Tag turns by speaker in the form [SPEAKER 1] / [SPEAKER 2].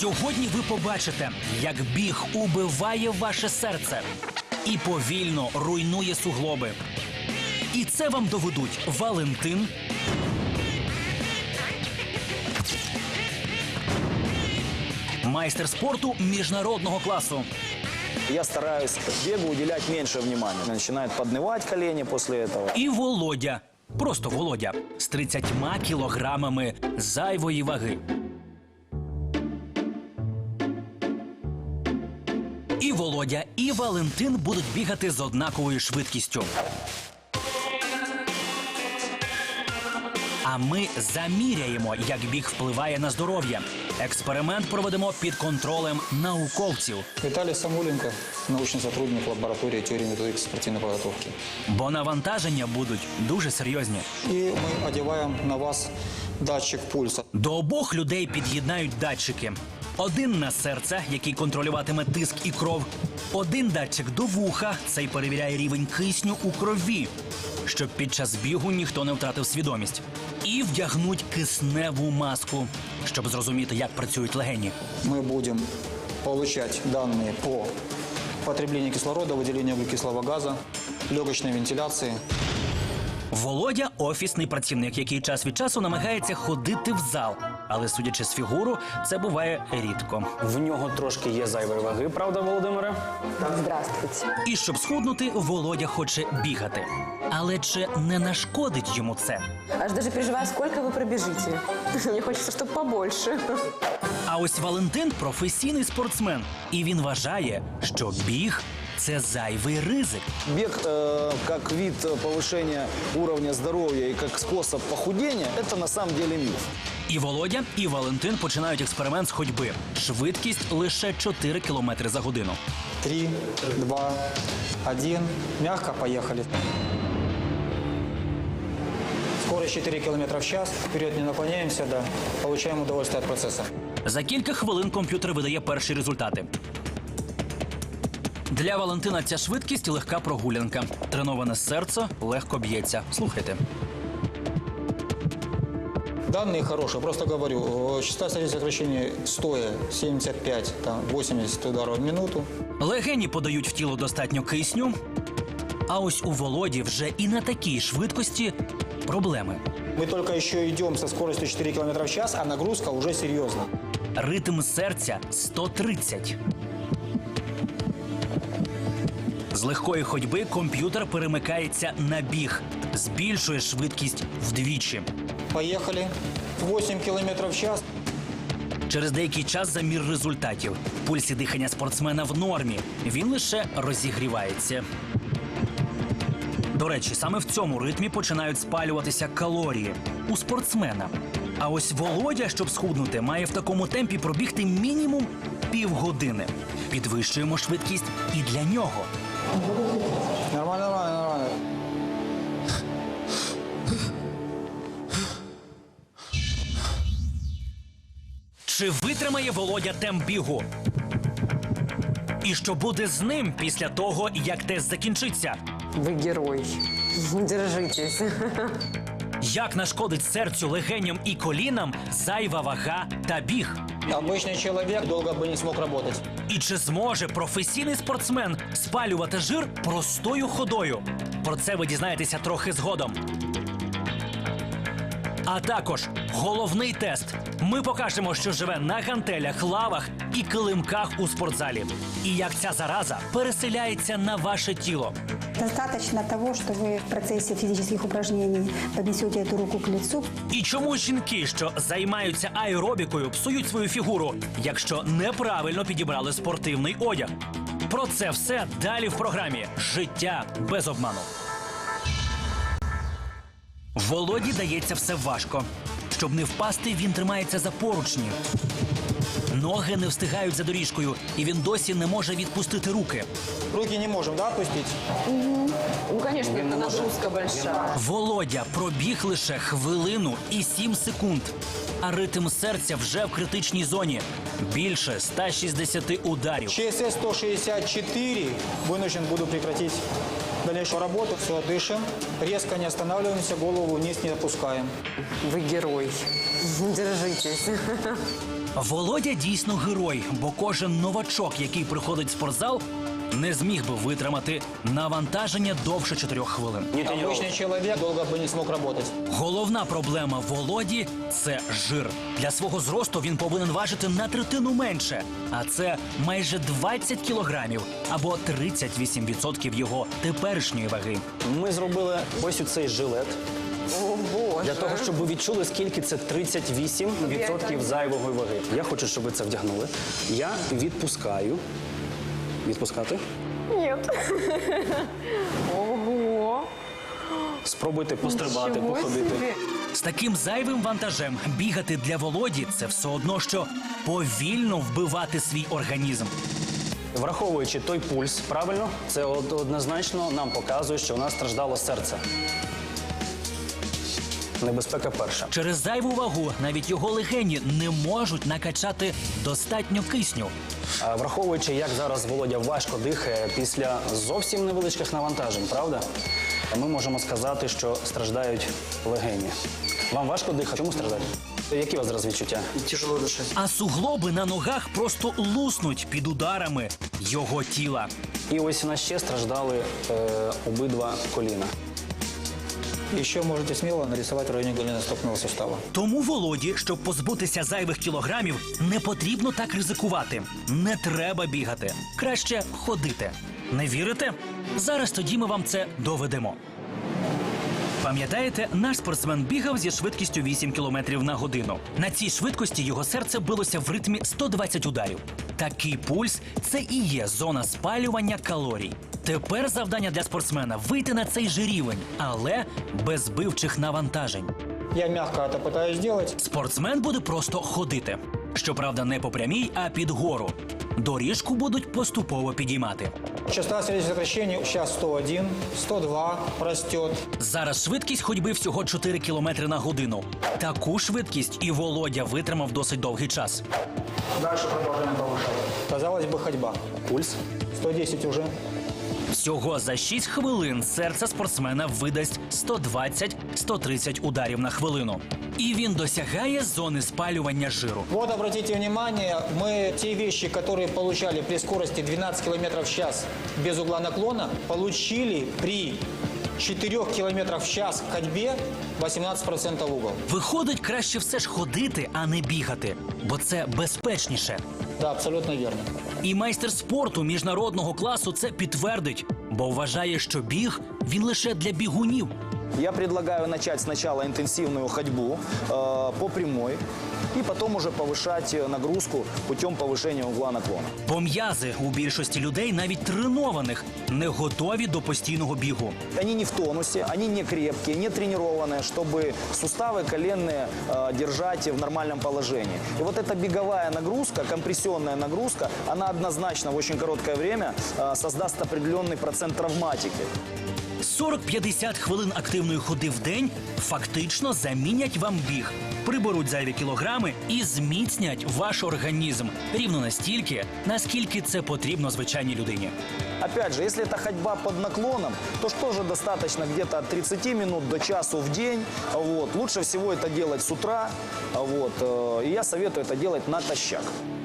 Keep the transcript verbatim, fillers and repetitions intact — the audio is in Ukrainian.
[SPEAKER 1] Сьогодні ви побачите, як біг убиває ваше серце і повільно руйнує суглоби. І це вам доведуть Валентин, майстер спорту міжнародного класу,
[SPEAKER 2] Я стараюсь бегу уделять меньше внимания. Начинает поднывать колени после этого.
[SPEAKER 1] і Володя, просто Володя, з тридцятьма кілограмами зайвої ваги. І Володя, і Валентин будуть бігати з однаковою швидкістю. А ми заміряємо, як біг впливає на здоров'я. Експеримент проведемо під контролем науковців.
[SPEAKER 3] Виталий Самуленко, научный сотрудник лаборатории теории и методики спортивной подготовки.
[SPEAKER 1] Бо навантаження будуть дуже серйозні.
[SPEAKER 3] И мы одеваем на вас датчик пульса.
[SPEAKER 1] До обох людей під'єднають датчики. Один на серце, який контролюватиме тиск і кров. Один датчик до вуха, цей перевіряє рівень кисню у крові, щоб під час бігу ніхто не втратив свідомість. І вдягнуть кисневу маску, щоб зрозуміти, як працюють легені.
[SPEAKER 3] Мы будем получать данные по потреблению кислорода, выделению углекислого газа, легочной вентиляции.
[SPEAKER 1] Володя – офісний працівник, який час від часу намагається ходити в зал. Але, судячи з фігуру, це буває рідко.
[SPEAKER 2] В нього трошки є зайвої ваги, правда, Володимире?
[SPEAKER 4] Здравствуйте.
[SPEAKER 1] І щоб схуднути, Володя хоче бігати. Але чи не нашкодить йому це?
[SPEAKER 4] Аж даже переживаю, сколько вы пробежите. Мне хочется, чтобы побольше.
[SPEAKER 1] А ось Валентин – професійний спортсмен. І він вважає, що біг – це зайвий ризик.
[SPEAKER 2] Бег э, как вид повышения уровня здоровья и как способ похудения – это на самом деле миф.
[SPEAKER 1] І Володя, і Валентин починають експеримент з ходьби. Швидкість лише чотири кілометри за годину.
[SPEAKER 3] Три, два, один. Мягко, поехали. Скорость четыре километра в час. Вперед не наклоняемся, да. Получаем удовольствие от процесса.
[SPEAKER 1] За кілька хвилин комп'ютер видає перші результати. Для Валентина ця швидкість – легка прогулянка. Треноване серце легко б'ється. Слухайте.
[SPEAKER 3] Данные хорошие, просто говорю, частота сердцебиения стоя семьдесят пять восемьдесят ударов в минуту.
[SPEAKER 1] Легені подають в тіло достатньо кисню. А ось у Володі вже і на такій швидкості проблеми.
[SPEAKER 3] Мы только еще идем со скоростью четыре километра в час, а нагрузка уже серьезна.
[SPEAKER 1] Ритм серця – сто тридцять. З легкої ходьби комп'ютер перемикається на біг. Збільшує швидкість вдвічі.
[SPEAKER 3] Поехали. восемь километров в час.
[SPEAKER 1] Через деякий час замір результатів. Пульс і дихання спортсмена в нормі. Він лише розігрівається. До речі, саме в цьому ритмі починають спалюватися калорії у спортсмена. А ось Володя, щоб схуднути, має в такому темпі пробігти мінімум півгодини. Підвищуємо швидкість і для нього.
[SPEAKER 3] Нормально, нормально, нормально.
[SPEAKER 1] Чи витримає Володя темп бігу? І що буде з ним після того, як тест закінчиться?
[SPEAKER 4] Вы герой. Держитесь.
[SPEAKER 1] Як нашкодить серцю, легеням і колінам зайва вага та біг?
[SPEAKER 3] Обычный человек долго бы не смог работать.
[SPEAKER 1] І чи зможе професійний спортсмен спалювати жир простою ходою? Про це ви дізнаєтеся трохи згодом. А також головний тест. Ми покажемо, що живе на гантелях, лавах і килимках у спортзалі. І як ця зараза переселяється на ваше тіло.
[SPEAKER 5] Достаточно того, что вы в процессе физических упражнений поднесете эту руку к лицу.
[SPEAKER 1] І чому жінки, що займаються аеробікою, псують свою фігуру, якщо неправильно підібрали спортивний одяг? Про це все далі в програмі «Життя без обману». Володі дається все важко. Щоб не впасти, він тримається за поручні. Ноги не встигають за доріжкою, і він досі не може відпустити руки.
[SPEAKER 3] Руки не можем, да, отпустить?
[SPEAKER 4] Ну, конечно, это нагрузка большая.
[SPEAKER 1] Володя пробіг лише хвилину і сім секунд. А ритм серця вже в критичній зоні. Більше ста шістдесят ударів.
[SPEAKER 3] ЧСС сто шестьдесят четыре. Вынужден буду прекратить дальнейшую работу. Все, дышим. Резко не останавливаемся, голову вниз не опускаем.
[SPEAKER 4] Вы герой. Держитесь.
[SPEAKER 1] Володя дійсно герой, бо кожен новачок, який приходить в спортзал, не зміг би витримати навантаження довше чотирьох хвилин.
[SPEAKER 3] Обычный человек долго бы не смог работать.
[SPEAKER 1] Головна проблема Володі – це жир. Для свого зросту він повинен важити на третину менше, а це майже двадцять кілограмів або тридцять вісім відсотків його теперішньої ваги.
[SPEAKER 6] Ми зробили ось у цей жилет
[SPEAKER 4] О, Боже.
[SPEAKER 6] для того, щоб ви відчули, скільки це тридцять вісім відсотків зайвої ваги. Я хочу, щоб ви це вдягнули. Я відпускаю. Відпускати.
[SPEAKER 4] Нет. Ого.
[SPEAKER 6] Спробуйте пострибати,
[SPEAKER 4] Ничего
[SPEAKER 6] походити.
[SPEAKER 4] себе.
[SPEAKER 1] З таким зайвим вантажем бігати для Володі – це все одно, що повільно вбивати свій організм.
[SPEAKER 6] Враховуючи той пульс, правильно, це од- однозначно нам показує, що у нас страждало серце. Небезпека перша.
[SPEAKER 1] Через зайву вагу навіть його легені не можуть накачати достатньо кисню.
[SPEAKER 6] А враховуючи, як зараз Володя важко дихає після зовсім невеличких навантажень, правда? Ми можемо сказати, що страждають легені. Вам важко дихати? Чому страждають? Які у вас зараз відчуття?
[SPEAKER 3] Тяжело дышать.
[SPEAKER 1] А суглоби на ногах просто луснуть під ударами його тіла.
[SPEAKER 6] І ось у нас ще страждали е, обидва коліна.
[SPEAKER 3] Еще можете смело нарисовать в районе голеностопного сустава.
[SPEAKER 1] Тому Володі, щоб позбутися зайвих кілограмів, не потрібно так ризикувати. Не треба бігати. Краще ходити. Не вірите? Зараз тоді ми вам це доведемо. Пам'ятаєте, наш спортсмен бігав зі швидкістю вісім кілометрів на годину. На цій швидкості його серце билося в ритмі сто двадцять ударів. Такий пульс – це і є зона спалювання калорій. Тепер завдання для спортсмена – вийти на цей же рівень, але без збивчих навантажень.
[SPEAKER 3] Я мягко это пытаюсь сделать.
[SPEAKER 1] Спортсмен буде просто ходити. Щоправда, не по прямій, а під гору. Доріжку будуть поступово підіймати.
[SPEAKER 3] Частота сердечных сокращений сейчас сто один, сто два растет.
[SPEAKER 1] Зараз швидкість ходьби всього чотири кілометри на годину. Таку швидкість і Володя витримав досить довгий час.
[SPEAKER 3] Дальше продолжаем повышать. Казалось бы, ходьба.
[SPEAKER 6] Пульс.
[SPEAKER 3] сто десять уже.
[SPEAKER 1] Всього за шість хвилин серце спортсмена видасть сто двадцять - сто тридцять ударів на хвилину. І він досягає зони спалювання жиру.
[SPEAKER 3] Вот обратите внимание, мы те вещи, которые получали при скорости двенадцать километров в час без угла наклона, получили при четырёх километрах в час ходьбе восемнадцать процентов угол.
[SPEAKER 1] Виходить, краще все ж ходити, а не бігати, бо це безпечніше.
[SPEAKER 3] Да, абсолютно верно.
[SPEAKER 1] І майстер спорту міжнародного класу це підтвердить, бо вважає, що біг – він лише для бігунів.
[SPEAKER 2] Я предлагаю начать сначала интенсивную ходьбу э, по прямой и потом уже повышать нагрузку путем повышения угла наклона.
[SPEAKER 1] Бо м'язи у більшості людей, навіть тренованих, не готові до постійного бігу.
[SPEAKER 2] Они не в тонусе, они не крепкие, не тренированные, чтобы суставы коленные э, держать в нормальном положении. И вот эта беговая нагрузка, компрессионная нагрузка, она однозначно в очень короткое время э, создаст определенный процент травматики.
[SPEAKER 1] сорок-п'ятдесят хвилин активної ходи в день фактично замінять вам біг, приберуть зайві кілограми і зміцнять ваш організм рівно настільки, наскільки це потрібно звичайній людині.
[SPEAKER 2] Опять же, если это ходьба под наклоном, то что же достаточно где-то от тридцати минут до часу в день. Вот. Лучше всего это делать с утра. Вот. э, И я советую это делать натощак.